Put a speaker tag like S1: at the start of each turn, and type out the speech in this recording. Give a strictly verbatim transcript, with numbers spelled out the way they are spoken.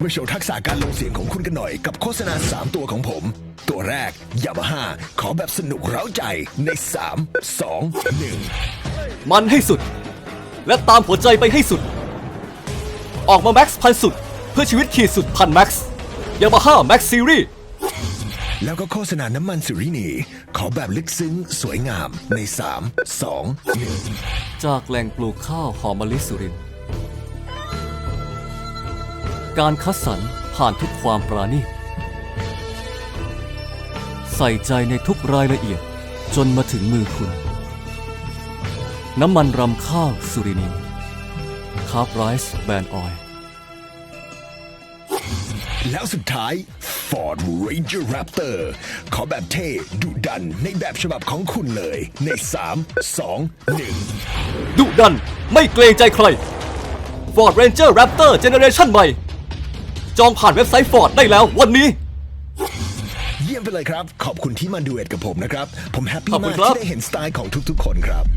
S1: มาโชว์ทักษะการลงเสียงของคุณกันหน่อยกับโฆษณาสามตัวของผม ตัวแรก Yamaha ขอแบบสนุกเร้าใจในสาม สอง หนึ่ง
S2: มันให้สุด และตามหัวใจไปให้สุด ออกมาแม็กซ์พันสุดเพื่อชีวิตขีดสุดพันแม็กซ์ยามาฮ่าแม็กซ์ซีรีส์
S1: แล้วก็โฆษณาน้ำมันสุรินีขอแบบลึกซึ้งสวยงามในสาม สอง หนึ่ง
S2: จากแหล่งปลูกข้าวหอมมะลิสุรินทร์การคัดสรรผ่านทุกความปราณีตใส่ใจในทุกรายละเอียดจนมาถึงมือคุณ น้ำมันรำข้าวสุรินีคาร์บไรซ์แบรนด์ออยล์
S1: แล้วสุดท้าย Ford Ranger Raptor ขอแบบเท่ดุดันในแบบฉบับของคุณเลยในสาม สอง หนึ่ง
S2: ดุดันไม่เกรงใจใคร Ford Ranger Raptor Generation ใหม่ จองผ่านเว็บไซต์ Ford ได้แล้ววันนี้
S1: เยี่ยมไปเลยครับ ขอบคุณที่มาดูเอ็ดกับผมนะครับ ผมแฮปปี้
S2: ขอบคุ
S1: มา
S2: ณ
S1: ก
S2: ครับ
S1: ที่ได้เห็นสไตล์ของทุกๆคนครับ